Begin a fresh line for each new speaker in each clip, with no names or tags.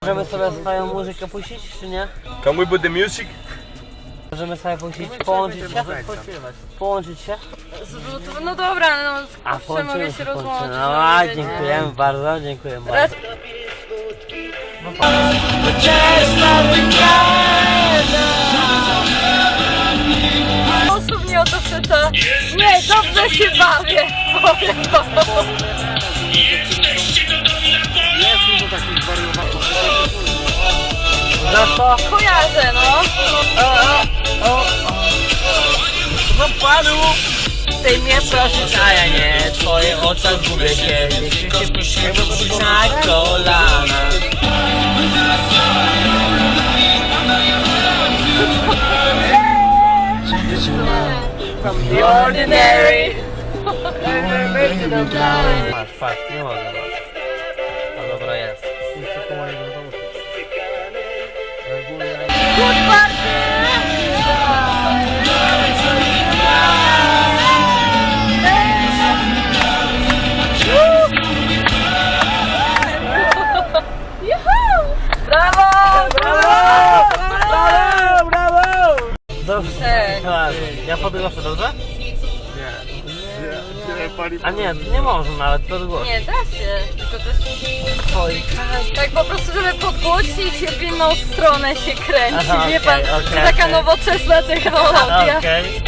Możemy sobie swoją muzykę puścić, czy nie?
Can we put the music?
Możemy sobie puścić, połączyć się? Połączyć się?
No dobra, no
A
kurczę, mogę się rozłączyć.
No a, dziękujemy bardzo, dziękuję bardzo.
Osób mnie o to pyta. Nie, dobrze się bawię. Powiem to.
Za co?
Kojarzę, no.
Zapadł! Ty mnie prosisz, a ja nie. W twoich oczach gubię się. Jeśli się prosimy, na kolana.
From the ordinary.
Patrz, nie mogę. No dobra, jest.
Good party! Brawo!
Brawo! Dobrze.
Tak.
Ja fotografię, dobrze?
Nie.
A nie, nie można nawet podgłosić.
Nie, da się, tylko też... Tak po prostu, żeby podgłosić, w inną stronę się kręci,
Aha,
wie pan,
okej,
to taka nowoczesna technologia.
Okej.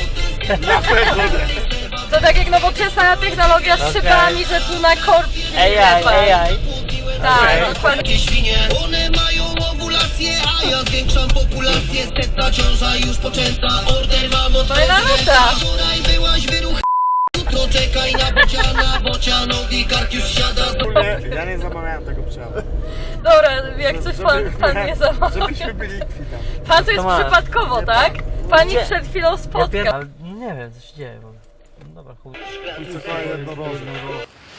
To tak jak nowoczesna technologia z szybami, że tu na korki, wie pan.
AI.
Tak, dokładnie.
Świnie, one mają owulację, a ja zwiększam populację. Setna ciąża już poczęta, order mam od
Fajna nuta.
Wczoraj byłaś wyruch. Jutro czekaj na bociana, bocianowi kark już siada.
Ja nie zamawiałem tego przejazdu.
Dobra, jak coś pan nie zamawia.
Żebyśmy byli kwita.
Pan to jest
masz.
przypadkowo, tak? Pan mi
Gdzie?
przed chwilą
Ja
spotkał.
ale nie wiem, co się dzieje. Dobra, chuj.
I co to jednorożne.